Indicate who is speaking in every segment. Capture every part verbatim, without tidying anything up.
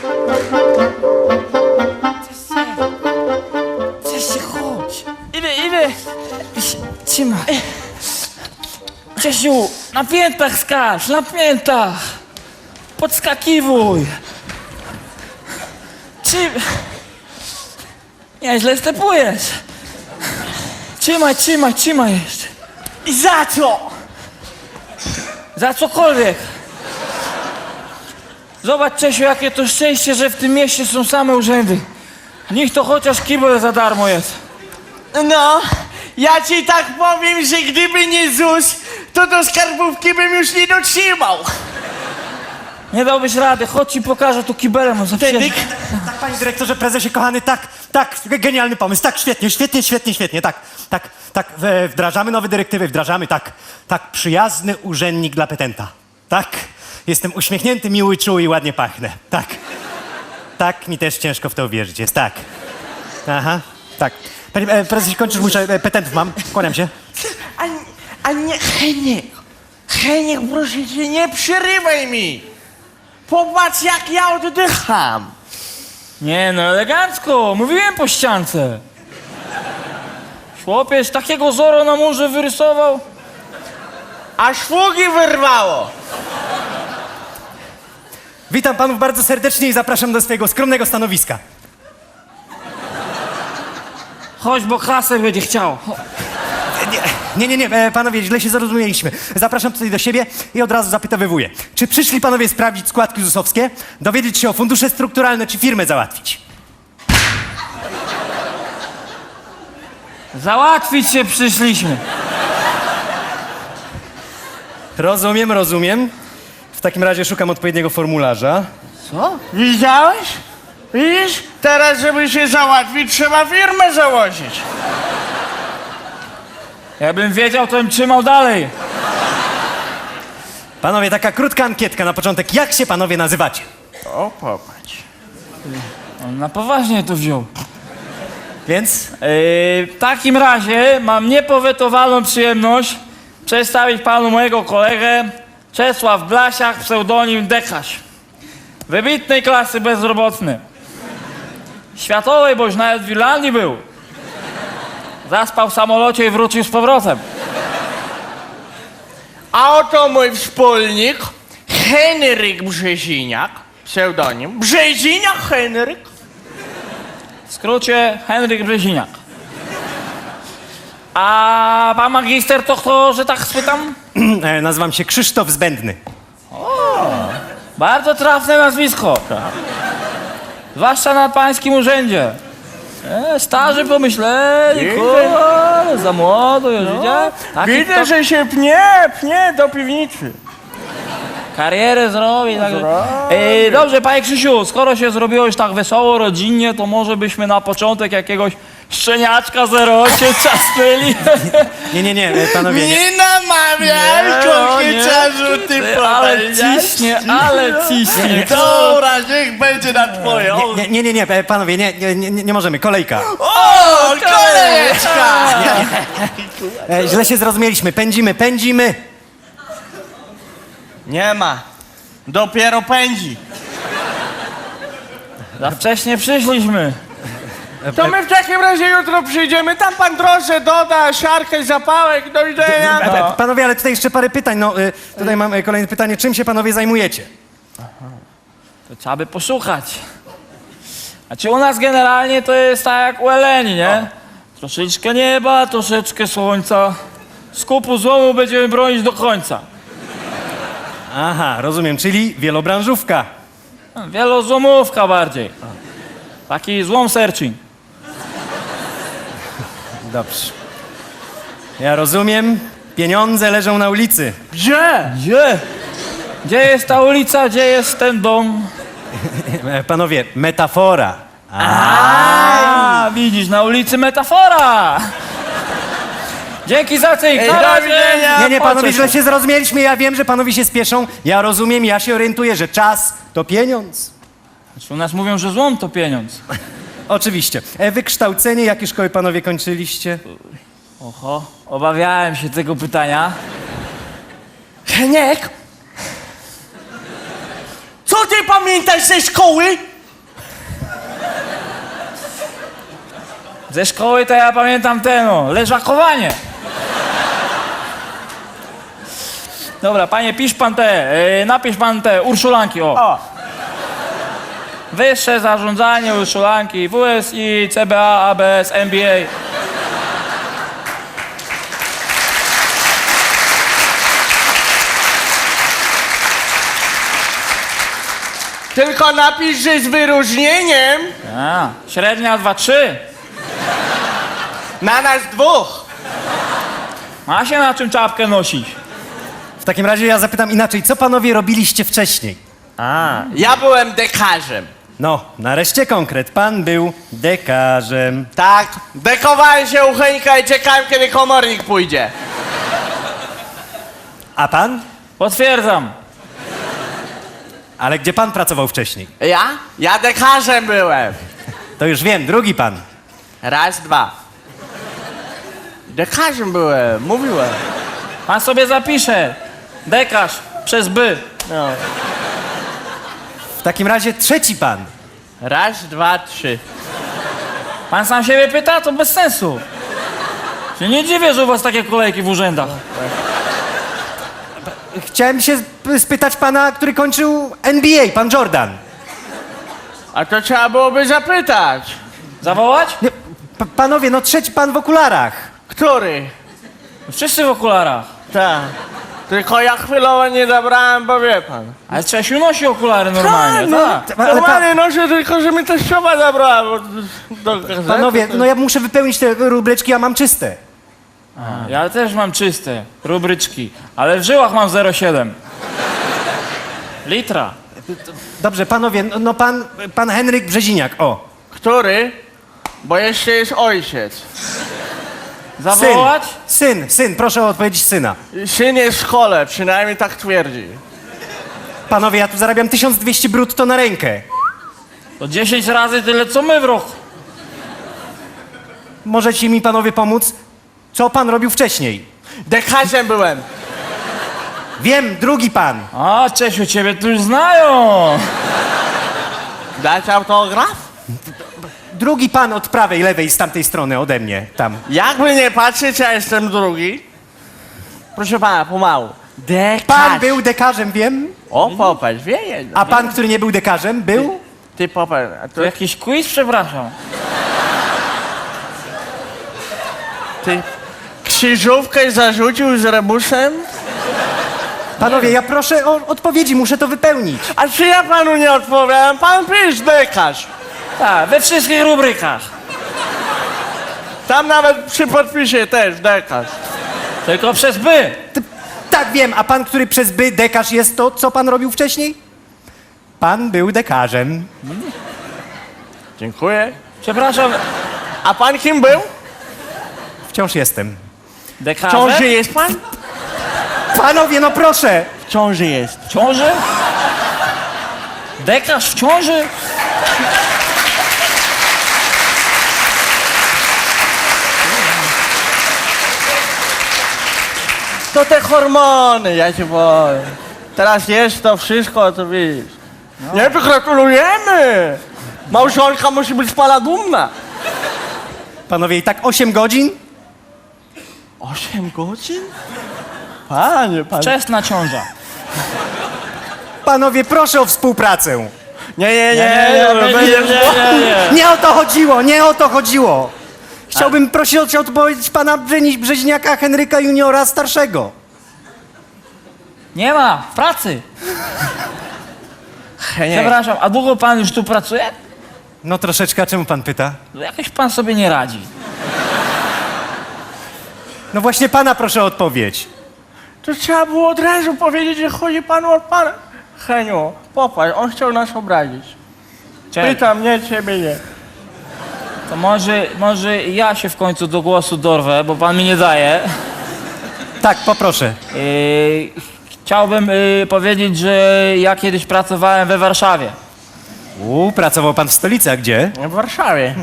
Speaker 1: Cześć, chodź. Idę, idę. Trzymaj. Czesiu, na piętach skacz, na piętach. Podskakiwuj. Czy... Nieźle stepujesz. Trzymaj, trzymaj, trzymaj jeszcze.
Speaker 2: I za co?
Speaker 1: Za cokolwiek. Zobacz, Czesiu, jakie to szczęście, że w tym mieście są same urzędy. Niech to chociaż kibel za darmo jest.
Speaker 2: No, ja ci tak powiem, że gdyby nie ZUS, to do skarbówki bym już nie dotrzymał.
Speaker 1: Nie dałbyś rady, chodź ci pokażę tu kibelem, on zawsze...
Speaker 2: Wtedy...
Speaker 3: Tak, panie dyrektorze, prezesie kochany, tak, tak, genialny pomysł, tak, świetnie, świetnie, świetnie, świetnie, tak, tak, tak, w- wdrażamy nowe dyrektywy, wdrażamy, tak, tak, przyjazny urzędnik dla petenta, tak, jestem uśmiechnięty, miły, czuły i ładnie pachnę, tak, tak, mi też ciężko w to uwierzyć jest, tak, aha, tak. Panie e, prezesie, kończysz, muszę, e, petentów mam, kłaniam się.
Speaker 2: A, a nie, Heniek, Heniek, proszę cię, nie przerywaj mi. Popatrz, jak ja oddycham.
Speaker 1: Nie no, elegancko, mówiłem po ściance. Chłopiec takiego Zoro na murze wyrysował.
Speaker 2: Aż fugi wyrwało.
Speaker 3: Witam panów bardzo serdecznie i zapraszam do swojego skromnego stanowiska.
Speaker 1: Chodź, bo kasę będzie chciał.
Speaker 3: Nie, nie, nie, e, panowie, źle się zrozumieliśmy. Zapraszam tutaj do siebie i od razu zapytowywuję. Czy przyszli panowie sprawdzić składki zusowskie, dowiedzieć się o fundusze strukturalne, czy firmę załatwić?
Speaker 1: Załatwić się przyszliśmy.
Speaker 3: Rozumiem, rozumiem. W takim razie szukam odpowiedniego formularza.
Speaker 1: Co?
Speaker 2: Widziałeś? Widzisz? Teraz, żeby się załatwić, trzeba firmę założyć.
Speaker 1: Jakbym wiedział, to bym trzymał dalej.
Speaker 3: Panowie, taka krótka ankietka na początek. Jak się panowie nazywacie?
Speaker 2: O, popatrz.
Speaker 1: On na poważnie to wziął.
Speaker 3: Więc?
Speaker 1: Yy, w takim razie mam niepowetowaną przyjemność przedstawić panu mojego kolegę Czesław Blasiak, pseudonim Dekaś. Wybitnej klasy bezrobotny. Światowej, boś nawet w Irlandii był. Zaspał w samolocie i wrócił z powrotem.
Speaker 2: A oto mój wspólnik, Henryk Brzeziniak, pseudonim. Brzeziniak Henryk.
Speaker 1: W skrócie Henryk Brzeziniak. A pan magister to kto, że tak spytam?
Speaker 3: E, nazywam się Krzysztof Zbędny.
Speaker 1: Bardzo trafne nazwisko. Zwłaszcza na pańskim urzędzie. E, starzy pomyśleli,
Speaker 2: Widzę.
Speaker 1: kurde, za młodo już, widzicie? Taki
Speaker 2: Widzę,
Speaker 1: kto
Speaker 2: że się pnie, pnie do piwnicy.
Speaker 1: karierę zrobi. Tak.
Speaker 2: Zrobi.
Speaker 1: E, dobrze, panie Krzysiu, skoro się zrobiło już tak wesoło, rodzinnie, to może byśmy na początek jakiegoś szczeniaczka zero osiem czasnęli.
Speaker 3: Nie, nie, nie, e, panowie, nie.
Speaker 2: Nie namawiaj, kokieciarzu, ty
Speaker 1: Ale
Speaker 2: powiedziałeś.
Speaker 1: ciśnie, ale ciśnie.
Speaker 2: Dobra, niech będzie na twoje. O,
Speaker 3: Nie, nie, nie, nie, e, panowie, nie, nie, nie, nie możemy, kolejka.
Speaker 2: o kolejeczka!
Speaker 3: E, źle się zrozumieliśmy, pędzimy, pędzimy.
Speaker 2: Nie ma. Dopiero pędzi.
Speaker 1: Za wcześnie przyszliśmy.
Speaker 2: To my w takim razie jutro przyjdziemy, tam pan troszkę doda, siarkę, zapałek, do widzenia.
Speaker 3: E, e, Panowie, ale tutaj jeszcze parę pytań. No, e, tutaj mam e, kolejne pytanie. Czym się panowie zajmujecie?
Speaker 1: To trzeba by poszukać. Znaczy u nas generalnie to jest tak jak u Eleni, nie? Troszeczkę nieba, troszeczkę słońca. Z kupu złomu będziemy bronić do końca.
Speaker 3: Aha, rozumiem, czyli wielobranżówka.
Speaker 1: Wielozłomówka bardziej. Taki złom searching.
Speaker 3: Dobrze. Ja rozumiem, pieniądze leżą na ulicy.
Speaker 2: Gdzie?
Speaker 1: Gdzie? Gdzie jest ta ulica, gdzie jest ten dom?
Speaker 3: E, Panowie, metafora.
Speaker 1: A, widzisz, na ulicy metafora. Dzięki za cyk,
Speaker 2: Ej,
Speaker 1: na
Speaker 2: do
Speaker 1: razie.
Speaker 2: widzenia.
Speaker 3: Nie, nie, panowie,
Speaker 1: Patrzę
Speaker 3: źle
Speaker 1: się.
Speaker 3: się zrozumieliśmy. Ja wiem, że panowie się spieszą. Ja rozumiem, ja się orientuję, że czas to pieniądz.
Speaker 1: Znaczy, u nas mówią, że złom to pieniądz.
Speaker 3: Oczywiście. E, wykształcenie, jakie szkoły panowie kończyliście?
Speaker 1: Oho, obawiałem się tego pytania.
Speaker 2: Heniek? Co ty pamiętasz ze szkoły?
Speaker 1: Ze szkoły to ja pamiętam ten, no, leżakowanie. Dobra, panie, pisz pan te, yy, napisz pan te urszulanki, o.
Speaker 2: O,
Speaker 1: Wyższe zarządzanie urszulanki, W S I, C B A, A B S, M B A.
Speaker 2: tylko napisz, że z wyróżnieniem
Speaker 1: A, średnia dwa trzy.
Speaker 2: na nas dwóch.
Speaker 1: Ma się na czym czapkę nosić.
Speaker 3: W takim razie ja zapytam inaczej, co panowie robiliście wcześniej?
Speaker 2: A, ja byłem dekarzem.
Speaker 3: No, nareszcie konkret. Pan był dekarzem.
Speaker 2: Tak, dekowałem się u Henka i czekałem, kiedy komornik pójdzie.
Speaker 3: A pan?
Speaker 1: Potwierdzam.
Speaker 3: Ale gdzie pan pracował wcześniej?
Speaker 2: Ja? Ja dekarzem byłem.
Speaker 3: To już wiem, drugi pan.
Speaker 2: Raz, dwa. Dekarzem byłem, mówiłem.
Speaker 1: Pan sobie zapisze. Dekarz przez by.
Speaker 2: No.
Speaker 3: W takim razie trzeci pan.
Speaker 2: Raz, dwa, trzy.
Speaker 1: Pan sam siebie pyta, to bez sensu. Się nie dziwię, że u was takie kolejki w urzędach.
Speaker 3: Chciałem się sp- spytać pana, który kończył N B A, pan Jordan.
Speaker 2: A to trzeba byłoby zapytać.
Speaker 1: Zawołać?
Speaker 3: Nie, p- panowie, no trzeci pan w okularach.
Speaker 2: Który?
Speaker 1: Wszyscy w okularach.
Speaker 2: Tak. Tylko ja chwilowo nie zabrałem, bo wie pan.
Speaker 1: Ale Czesiu nosi okulary normalnie,
Speaker 2: no,
Speaker 1: tak.
Speaker 3: Ale
Speaker 2: Normalnie noszę, tylko że mi teściowa zabrała bo, do gazety.
Speaker 3: Panowie, no ja muszę wypełnić te rubryczki, a mam czyste.
Speaker 1: Ja też mam czyste rubryczki, ale w żyłach mam zero przecinek siedem. Litra.
Speaker 3: Dobrze, panowie, no, no pan, pan Henryk Brzeziniak, o.
Speaker 2: Który? Bo jeszcze jest ojciec.
Speaker 1: Zawołać?
Speaker 3: Syn, syn, syn, proszę o odpowiedź syna.
Speaker 2: Syn jest w szkole, przynajmniej tak twierdzi.
Speaker 3: Panowie, ja tu zarabiam tysiąc dwieście brutto na rękę.
Speaker 1: To dziesięć razy tyle, co my w roku.
Speaker 3: Możecie mi panowie pomóc? Co pan robił wcześniej?
Speaker 2: Dekarzem byłem.
Speaker 3: Wiem, drugi pan.
Speaker 1: A, Czesiu, ciebie tu już znają.
Speaker 2: Dać autograf?
Speaker 3: Drugi pan od prawej, lewej, z tamtej strony, ode mnie, tam.
Speaker 2: Jakby nie patrzeć, ja jestem drugi. Proszę pana, pomału. Dekarz.
Speaker 3: Pan był dekarzem, wiem.
Speaker 2: O, popatrz, wie jedno.
Speaker 3: A pan, który nie był dekarzem, był?
Speaker 2: Ty popatrz, a
Speaker 1: To
Speaker 2: to
Speaker 1: jakiś quiz, przepraszam.
Speaker 2: ty krzyżówkę zarzucił z rebusem?
Speaker 3: Panowie, ja proszę o odpowiedzi, muszę to wypełnić.
Speaker 2: A czy ja panu nie odpowiadam? Pan pisz dekarz.
Speaker 1: Tak, we wszystkich rubrykach.
Speaker 2: Tam nawet przy podpisie też dekarz.
Speaker 1: Tylko przez by.
Speaker 3: T- tak, wiem, a pan, który przez by dekarz jest to, co pan robił wcześniej? Pan był dekarzem.
Speaker 2: Dziękuję.
Speaker 1: Przepraszam,
Speaker 2: A pan kim był?
Speaker 3: Wciąż jestem.
Speaker 2: W
Speaker 1: dekarze?
Speaker 2: ciąży jest pan?
Speaker 3: Panowie, no proszę!
Speaker 2: W ciąży jest.
Speaker 1: W ciąży? Dekarz w ciąży?
Speaker 2: To te hormony, ja ci powiem. Teraz jest to wszystko, to widzisz. Nie, to gratulujemy. Małżonka musi być z pana dumna.
Speaker 3: Panowie, i tak osiem godzin?
Speaker 2: Osiem godzin? Panie, pan...
Speaker 1: Wczesna ciąża.
Speaker 3: Panowie, proszę o współpracę.
Speaker 2: Nie, nie, nie,
Speaker 1: nie, nie, nie, nie, nie.
Speaker 3: Nie o to chodziło, nie o to chodziło. Chciałbym prosić o odpowiedź pana Brzeni- Brzeźniaka Henryka Juniora starszego.
Speaker 1: Nie ma, w pracy.
Speaker 2: nie.
Speaker 1: Przepraszam, a długo pan już tu pracuje?
Speaker 3: No troszeczkę, a czemu pan pyta?
Speaker 1: No jakoś pan sobie nie radzi.
Speaker 3: No właśnie pana proszę o odpowiedź.
Speaker 2: To trzeba było od razu powiedzieć, że chodzi panu od pana. Heniu, popatrz, on chciał nas obrazić.
Speaker 1: Czekaj,
Speaker 2: Pytam, nie, ciebie nie.
Speaker 1: to może, może ja się w końcu do głosu dorwę, bo pan mi nie daje.
Speaker 3: Tak, poproszę.
Speaker 1: Yy, chciałbym yy, powiedzieć, że ja kiedyś pracowałem we Warszawie.
Speaker 3: U, pracował pan w stolicy, a gdzie?
Speaker 2: W Warszawie.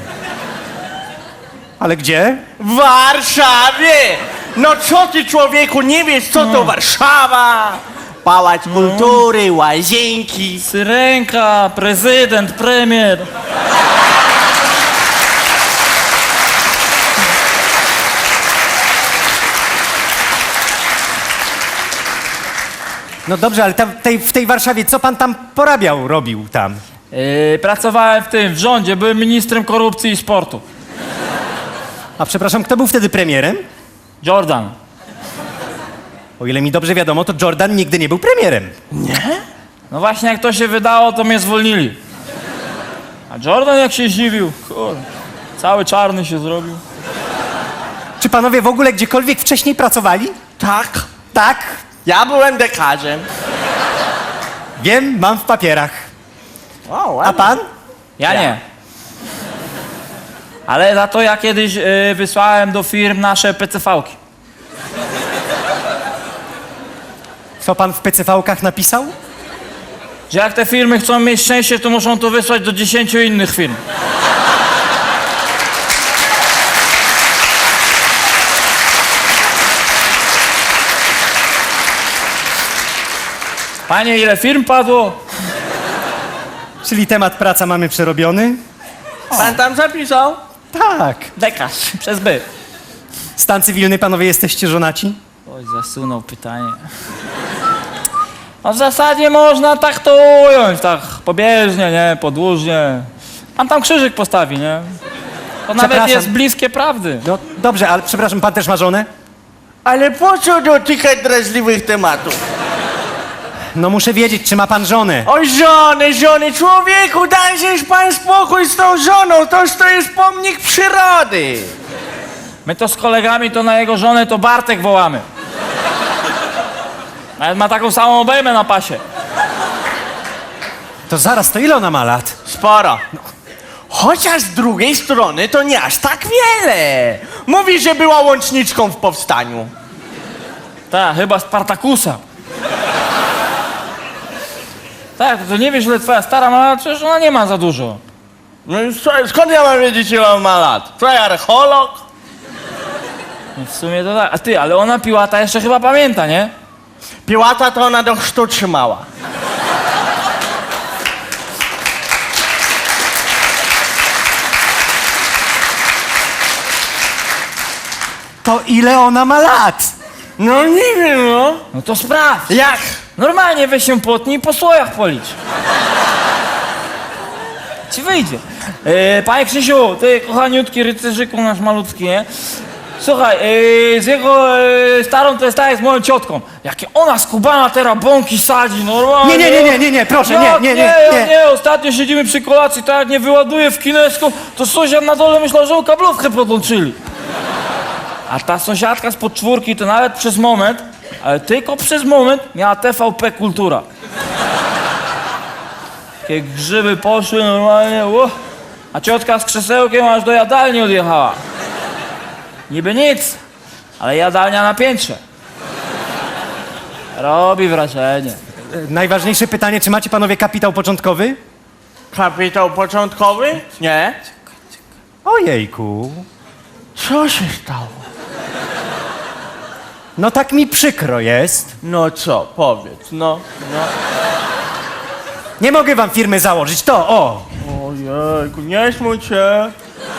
Speaker 3: Ale gdzie?
Speaker 2: W Warszawie! No co ty, człowieku, nie wiesz, co to Warszawa? Pałac Kultury, łazienki.
Speaker 1: Syrenka, prezydent, premier.
Speaker 3: No dobrze, ale tam, tej, w tej Warszawie, co pan tam porabiał, robił tam?
Speaker 1: Yy, pracowałem w tym, w rządzie, byłem ministrem korupcji i sportu.
Speaker 3: A przepraszam, kto był wtedy premierem?
Speaker 1: Jordan.
Speaker 3: O ile mi dobrze wiadomo, to Jordan nigdy nie był premierem.
Speaker 1: No właśnie jak to się wydało, to mnie zwolnili. A Jordan jak się zdziwił, kurde, cały czarny się zrobił.
Speaker 3: Czy panowie w ogóle gdziekolwiek wcześniej pracowali?
Speaker 2: Tak.
Speaker 3: Tak.
Speaker 2: Ja byłem dekarzem.
Speaker 3: Wiem, mam w papierach.
Speaker 2: O,
Speaker 3: A
Speaker 2: ładnie.
Speaker 3: pan?
Speaker 1: Ja
Speaker 2: Ja.
Speaker 1: nie. Ale za to ja kiedyś yy, wysłałem do firm nasze P C V-ki.
Speaker 3: Co pan w P C V-kach napisał?
Speaker 1: Że jak te firmy chcą mieć szczęście, to muszą to wysłać do dziesięciu innych firm. Panie, ile firm padło?
Speaker 3: Czyli temat praca mamy przerobiony?
Speaker 2: Pan tam zapisał?
Speaker 3: Tak.
Speaker 1: Dekarz, przez by.
Speaker 3: Stan cywilny, panowie, jesteście żonaci?
Speaker 1: Oj, zasunął pytanie. No w zasadzie można tak to ująć, tak pobieżnie, nie, podłużnie. Pan tam krzyżyk postawi, nie? To nawet
Speaker 3: Przepraszam.
Speaker 1: jest bliskie prawdy.
Speaker 3: No dobrze, ale przepraszam, pan też ma żonę?
Speaker 2: Ale po co dotykać drażliwych tematów?
Speaker 3: No muszę wiedzieć, czy ma pan żonę.
Speaker 2: Oj, żony, żony, człowieku, dajżeś pan spokój z tą żoną, toż to jest pomnik przyrody.
Speaker 1: My to z kolegami, to na jego żonę to Bartek wołamy. Nawet ma taką samą obejmę na pasie.
Speaker 3: To zaraz, to ile ona ma lat?
Speaker 2: Sporo. Chociaż z drugiej strony to nie aż tak wiele. Mówi, że była łączniczką w powstaniu.
Speaker 1: Tak, chyba Spartakusa. Tak, to nie wiesz, ile twoja stara ma lat, przecież ona nie ma za dużo.
Speaker 2: No i co, skąd ja mam wiedzieć, ile on ma lat? Co, ja archeolog?
Speaker 1: No w sumie to tak. A ty, ale ona Piłata jeszcze chyba pamięta, nie?
Speaker 2: Piłata to ona do chrztu trzymała.
Speaker 3: To ile ona ma lat?
Speaker 2: No nie wiem, no.
Speaker 1: No to sprawdź.
Speaker 2: Jak?
Speaker 1: Normalnie weź się potnij i po słojach policz. Ci wyjdzie. E, panie Krzysiu, ty kochaniutki rycerzyku nasz malutki, nie? Słuchaj, e, z jego e, starą to jest tak jak z moją ciotką. Jakie ona skubana teraz bąki sadzi, normalnie.
Speaker 3: Nie, nie, nie, nie, nie, nie, proszę, nie,
Speaker 1: Jak
Speaker 3: nie, nie,
Speaker 1: nie,
Speaker 3: nie.
Speaker 1: nie, ostatnio siedzimy przy kolacji, tak jak nie wyładuje w kinesku, to sąsiad na dole myślał, że kablówkę podłączyli. A ta sąsiadka z podczwórki to nawet przez moment, ale tylko przez moment miała T V P Kultura. Takie grzyby poszły normalnie, ło. A ciotka z krzesełkiem aż do jadalni odjechała. Niby nic, ale jadalnia na piętrze. Robi wrażenie.
Speaker 3: E, Najważniejsze pytanie, czy macie panowie kapitał początkowy?
Speaker 2: Kapitał początkowy? Nie.
Speaker 3: Ojejku.
Speaker 2: Co się stało?
Speaker 3: No tak mi przykro jest.
Speaker 2: No co, powiedz, no, no.
Speaker 3: Nie mogę wam firmy założyć, to o.
Speaker 2: Ojejku, nie smuć się.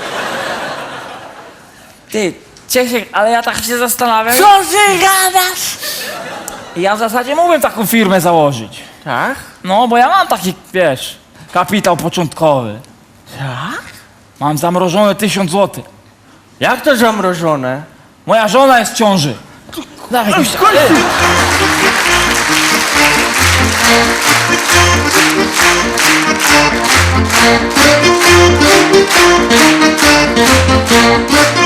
Speaker 1: Ty, Ciesiek, ale ja tak się zastanawiam.
Speaker 2: Co ty gadasz?
Speaker 1: Ja w zasadzie mógłbym taką firmę założyć.
Speaker 2: Tak?
Speaker 1: No, bo ja mam taki, wiesz, kapitał początkowy.
Speaker 2: Tak?
Speaker 1: Mam zamrożone tysiąc złotych.
Speaker 2: Jak to zamrożone?
Speaker 1: Moja żona jest w ciąży. Dawaj, gościa.
Speaker 4: Thank you.